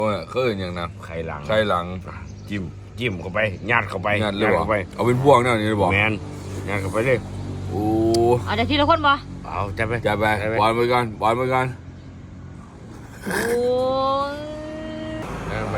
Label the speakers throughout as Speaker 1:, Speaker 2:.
Speaker 1: เคยอย่างนั้น
Speaker 2: ไข่หลังจิ้มเข้าไปยัดเข้าไป
Speaker 1: ยัดไปเอาเป็นพวงนั่นนี่บอก
Speaker 2: แมนยัดเข้าไปเลย
Speaker 1: โอ้
Speaker 3: เอาจากที่ละคนบ่
Speaker 2: เอาจับไป
Speaker 1: บอลไปกันโอ้
Speaker 2: ไป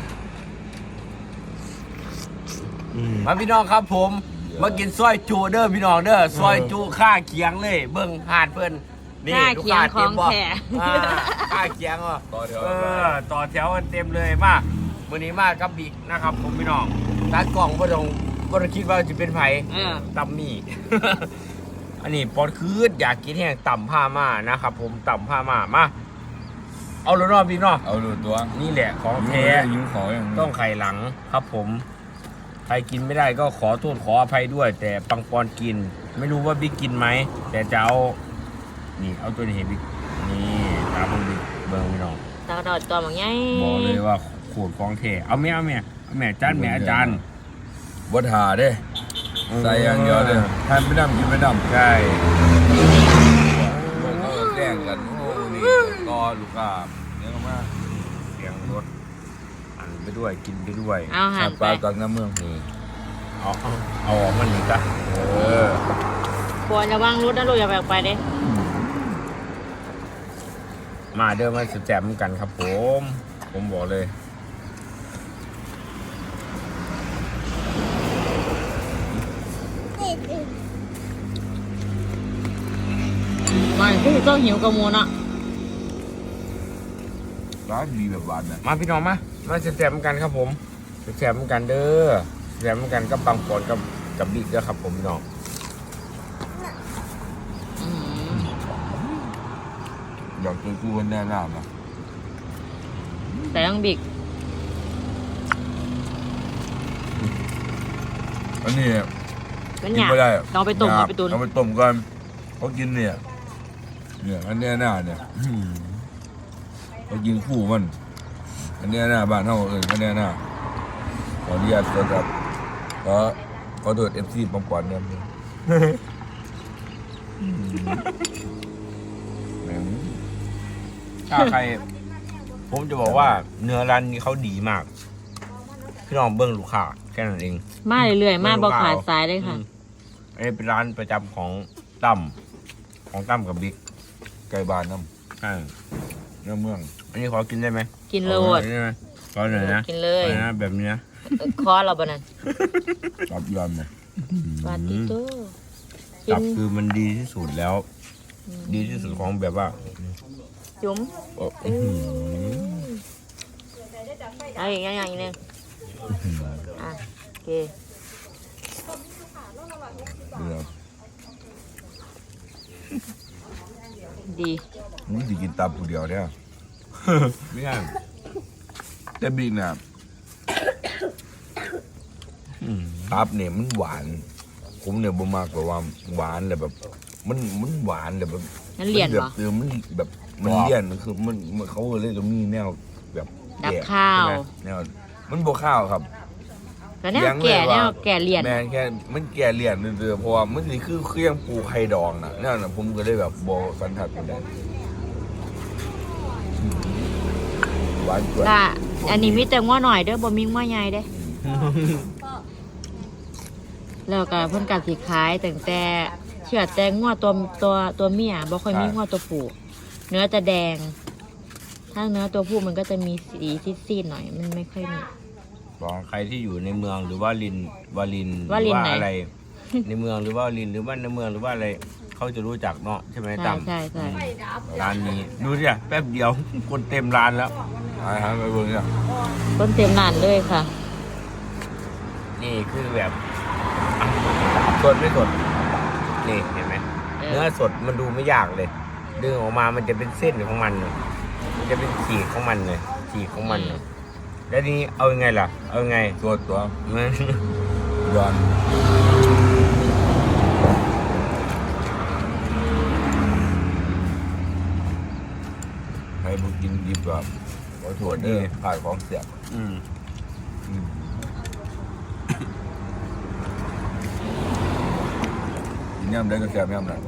Speaker 2: มาพี่น้องครับผมมากินซอยจูเด้อพี่น้องเด้อซอยจูข้าเคียงเลยเบิ่งหาดเพิ่น
Speaker 3: นี่ลูกค้าเต็มบ่
Speaker 2: ข้าเคียงอ่ะต่อแถวกันเต็มเลยมามื้อนี้มากับบิ๊กนะครับผมพี่น้องตากล้องบ่ต้องคิดว่าจะเป็นไผตำมี่ อันนี้ปอดคืดอยากกินแห้งต่ำผ้าม่านะครับผมต่ำผ้าม่ามาเอารอบพี่น้อง
Speaker 1: เอาตัว
Speaker 2: นี่แหละของแท้ต้องไข่หลังครับผมใครกินไม่ได้ก็ขอโทษขออภัยด้วยแต่ปังปอนกินไม่รู้ว่าบิ๊กกินไหมแต่จะเอานี่เอาตัวนี้ให้บิ๊กนี่ตามบิ๊กเบิ้งพี่น้อง
Speaker 3: ตากระโดดตัวมันใหญ่
Speaker 2: บอกเลยว่าโคตรของแท้เอาแม่จานแม่อาจารย์
Speaker 1: บดหาเด้ใส่อย่างเดียวเลยทานไม่ดำกินไม่ดำ
Speaker 2: ใช่
Speaker 1: เขาแกล้งกันโอ้นี่รอลูกค้าเนี่ยก็มา
Speaker 2: เสียงรถอันไปด้วยกินไปด้วย
Speaker 3: เอาหัน
Speaker 1: ไปปลาจากน้ำเมืองนี่
Speaker 2: เอาออกมันนี่จ้ะ
Speaker 3: ควรจะวางรถนะลูกอย่าแบกไปเด้
Speaker 2: มาเดินมาสุดแจ่มกันครับผมบอกเลย
Speaker 3: มันคือต้องหิวกระมูลอ่ะ
Speaker 1: ร้านดีแบบหวานนะ
Speaker 2: มาพี่น้องมาสุดแจ่มกันครับผมสุดแจ่มกันเด้อสุดแจ่มกันกับปังปอนกับบิ๊กเด้อครับผมพี่น้อง
Speaker 1: อยากกินกูแน่ๆนะ
Speaker 3: แต่ต้องบิ๊ก
Speaker 1: อันนี้
Speaker 3: กินไม่ได้เราไปต้มไปตุน
Speaker 1: เอาไปต้มกันเขากินเนี่ยอันนี้หน้าเนี่ยเขากินคู่มันอันนี้หน้าบ้านเท่าอื่นอันนี้หน้าขออนุญาตครับขอโทษFC ปังปอนเนี่ย
Speaker 2: ถ้าใครผมจะบอกว่าเนื้อร้านนี้เขาดีมากพี่น้องเบิ้งลูกค้าแค่นั้นเอง
Speaker 3: มาเรื่อยๆมาบอกขาดสายเลยค่ะ
Speaker 2: อันนี้เป็นร้านประจำของตั้มกับบิ๊ก
Speaker 1: ไก่บ้านน้
Speaker 2: ำ
Speaker 1: เนื้อเมือง
Speaker 2: อันนี้ขอกินได้ไหม
Speaker 3: กินเลย
Speaker 2: ขอหน่อยนะ
Speaker 3: กินเลย
Speaker 2: นะแบบนี้นะ
Speaker 3: คอเราบ้านั่น
Speaker 1: ตับยำเลย
Speaker 3: ปาติโต้
Speaker 2: ตับคือมันดีที่สุดแล้วดีที่สุดของแบบว่า
Speaker 3: จุ๋มเอาอีกอย่างนึงโอเคดี
Speaker 1: นี่จะกินตับผู้เดียวเนี่ย
Speaker 2: ไม่ง่าย
Speaker 1: แต่บิ๊กเนี่ยตับเนี่ยมันหวานผมเนี่ยบ่มากกว่าหวานเลยแบบมันหวานเลยแบบ
Speaker 3: มันเลี่ยนเหรอ
Speaker 1: มันแบบมันเลี่ยนคือมันเขาเลยจะมีแนวแบบ
Speaker 3: ดับข้าว
Speaker 1: แนวมันบ่ข้าวครับ
Speaker 3: แต่แนวแก่เลี่ยน
Speaker 1: แม่แค่มันแก่เลี่ยนเรื่อยๆเพราะว่ามันนี่คือเครื่องปูไข่ดองน่ะนั่นน่ะผมก็เลยแบบบ่สันทัดกันได้หวานกว่า
Speaker 3: อันนี้มีแต่ง้อหน่อยเด้อบ่มีง้อใหญ่เด้แล้วก็เพิ่นกัดสีขายแต่เชื่อแต่ง้อตัวเมียบ่ค่อยมีง้อตัวผู้เนื้อจะแดงถ้าเนื้อตัวผู้มันก็จะมีสีซีดๆหน่อยมันไม่ค่อยมี
Speaker 2: ใครที่อยู่ในเมืองหรือว่าว่าอะไรในเมืองหรือว่าลินหรือว่าในเมืองหรือว่าอะไรเขาจะรู้จักเนาะใช่ไหมตั้ม
Speaker 3: ใช่
Speaker 2: ร้านนี้ดูสิแป๊บเดียวคนเต็มร้านแล้ว
Speaker 1: ไปเบิ่งเนี่ย
Speaker 3: คนเต็มร้านเลยค่ะ
Speaker 2: นี่คือแบบสดไม่สดนี่เห็นไหมเนื้อสดมันดูไม่ยากเลยดึงออกมามันจะเป็นเส้นของมันมันจะเป็นขีดของมันเลยขีดของมันแล้วนี้เอายังไงล่ะเอายังไง
Speaker 1: ตัว
Speaker 2: มัน
Speaker 1: ย้อนให้บุกินดีกว่าขอโทษด้วยผ่านของเสียบย่ำได้ก็แซ่บย่ำนะ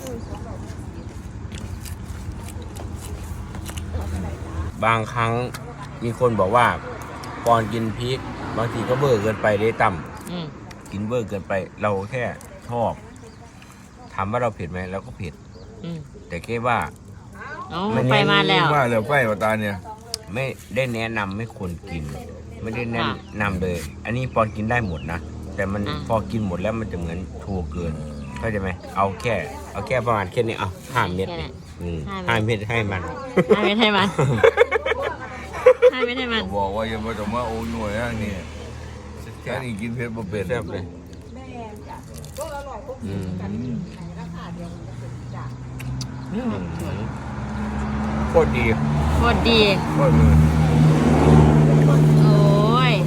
Speaker 2: บางครั้งมีคนบอกว่าก่อนกินพริกบางทีก็เบอร์เกินไปได้ต่
Speaker 3: อืม
Speaker 2: ำกินเบอร์เกินไป เราแค่ชอบถามว่าเราเผ็ดไหมเราก็เผ็ด
Speaker 3: อืม
Speaker 2: แต่แค่ว่า
Speaker 3: โอ้
Speaker 2: ไม่
Speaker 3: ไปมาแล้ว
Speaker 1: มาแล้วไฟมาตาเนี่ย
Speaker 2: ไม่ได้แนะนำไม่ควรกิน ไม่ได้แนะ
Speaker 3: ค่ะ
Speaker 2: นำเลย อันนี้ปอนกินได้หมดนะแต่มัน
Speaker 3: อ่า
Speaker 2: พอกินหมดแล้วมันจะเหมือนทัวเกินเข้าใจไหมเอาแค่ประมาณแค่นี้เอา5 เม็ด
Speaker 3: แค่นั้น
Speaker 2: ห้าเม็ดให้มัน
Speaker 3: ให้ไม่ให้มันให้ไม่ให้มัน
Speaker 1: บอกว่าอย่ามาจะมาโอ้ยหน่วยนะนี่แค่นี้กินเผ็ดบ่เป็น
Speaker 2: แซ่บเลยอืมโคตรดี
Speaker 3: โคตรดี
Speaker 1: โคตรเลย
Speaker 3: โอ้ย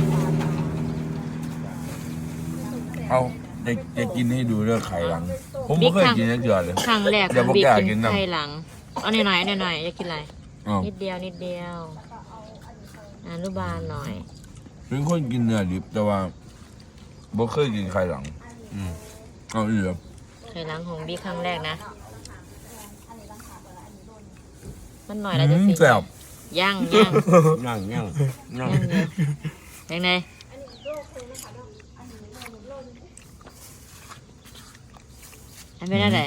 Speaker 1: เอาจะกินให้ดูเรื่องไข่หลัง ผมไม่เคยกินนักเดือดเลย
Speaker 3: ครั้งแรก
Speaker 1: เดี๋ยวบอก
Speaker 3: บิ๊ก
Speaker 1: อยากกิ
Speaker 3: กิ
Speaker 1: น
Speaker 3: น
Speaker 1: น้ำ
Speaker 3: ไข่หลังเอาหน่อยๆหน่อยๆอยากกินอะไร
Speaker 1: อ้าว
Speaker 3: นิดเดียวนิดเดียวอนุบาลหน่อย
Speaker 1: เป็นคนกินเนื้อดิบแต่ว่าบ่เคยกินไข่หลัง
Speaker 2: อืม
Speaker 1: เอาอีกเหรอ
Speaker 3: ไข่หลังของบิ๊กครั้งแรกนะมันหน่อยแล้วจะสิ
Speaker 1: แซ่บ
Speaker 3: ย่าง
Speaker 2: นั่งนั่งนั่ง
Speaker 3: ยังไงอันเป็นอะไร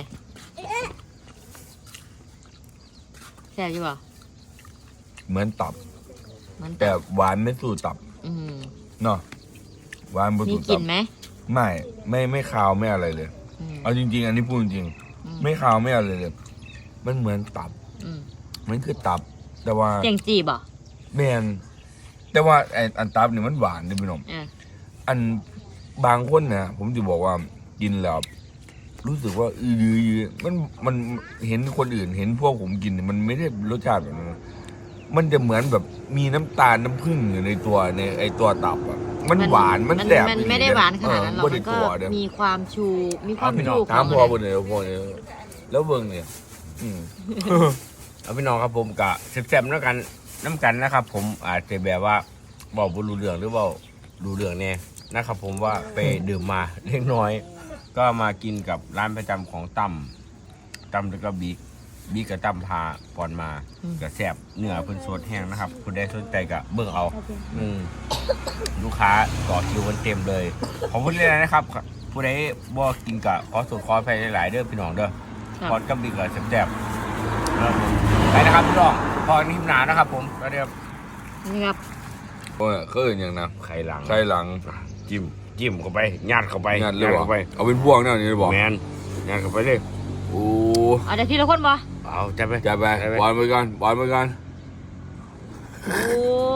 Speaker 3: แซ่บอยู่บ่
Speaker 1: เหมือนตับ
Speaker 3: มัน
Speaker 1: แต่หวานไม่สู้ตับ
Speaker 3: อืม
Speaker 1: เนาะหวานบ่
Speaker 3: มี
Speaker 1: สู้
Speaker 3: กลิ่
Speaker 1: ตั
Speaker 3: น
Speaker 1: บ
Speaker 3: ไหม
Speaker 1: ไม่คาวไม่อะไรเลย
Speaker 3: อืม
Speaker 1: เอาจริงๆ อันนี้พูดจริง
Speaker 3: อืม
Speaker 1: ไม่คาวไม่อะไรเลย มันเหมือนตับ
Speaker 3: อืม
Speaker 1: มันคือตับ แต่ว่า
Speaker 3: เจียงจีบ่
Speaker 1: แมนแต่ว่าไอ้อันตับเนี่ยมันหวานดิพี่น้อง
Speaker 3: อ่ะ
Speaker 1: อันบางคนนะผมจะบอกว่ากินแล้วรู้สึกว่ามันเห็นคนอื่นเห็นพวกผมกินเนี่ยมันไม่ได้รสชาติแบบนั้นนะมันจะเหมือนแบบมีน้ำตาลน้ำผึ้งอยู่ในตัวในไอตัวตับอ่ะมันหวานมันแสบ
Speaker 3: มันไม่ได้หวานขนาดนั้นหรอก
Speaker 1: บ่
Speaker 3: มั
Speaker 1: ได้
Speaker 3: นก็
Speaker 1: ตัวเด้อ
Speaker 3: มีความชูมีความ
Speaker 2: เอาพี่น้
Speaker 3: ชู
Speaker 2: อง
Speaker 3: ข
Speaker 1: ถาม
Speaker 3: อง
Speaker 1: พ่อ
Speaker 3: มัน
Speaker 1: บนเนี่ยพ่อเนี่ยแล้วเบิ่งเนี่ยอืม
Speaker 2: เอาพี่น้องครับผมกะแซ่บๆน้ำกันนะครับ ผมอาจจะแบบว่าบอกบ่รู้เรื่องหรือเปล่ารู้เรื่องแน่นะครับ ผมว่าไปดื่มมาเล็กน้อย ก็มากินกับร้านประจำของตั้มแล้วก็บิ๊กกับตั้มพาก่อนมากับแซ่บเนื้อเพิ่นสดแห้งนะครับคุณได้สนใจกับเบิ่งเอา ลูกค้าต่อคิวกันเต็มเลยขอบคุณเลยนะครับ ผู้ใดบ่กินกะขอสูตรขอไปหลายๆเด้อพี่น้องเด้อ
Speaker 3: ครับ
Speaker 2: พอดกับบิ๊กกับแซ่บๆไปนะครับพี่น้องพอนิ่มหนานะครับผมแล้วเดี๋ยว
Speaker 3: นี่ครับ
Speaker 1: โอ้ยเคยอย่างนะ
Speaker 2: ไข่หลัง
Speaker 1: ไข่หลัง
Speaker 2: จิ้มเข้าไปยัดเข้าไป
Speaker 1: งานเลยบอ
Speaker 2: เข้าไป
Speaker 1: เอาเป็นพวกเนี่ยนี่บอก
Speaker 2: แมนยัดเข้าไปเลย
Speaker 1: โอ้
Speaker 3: เอาแต่ทีละคนบ่
Speaker 2: เอาจับไป
Speaker 1: จะไปบอลไปกันบอลไปกัน
Speaker 3: โอ้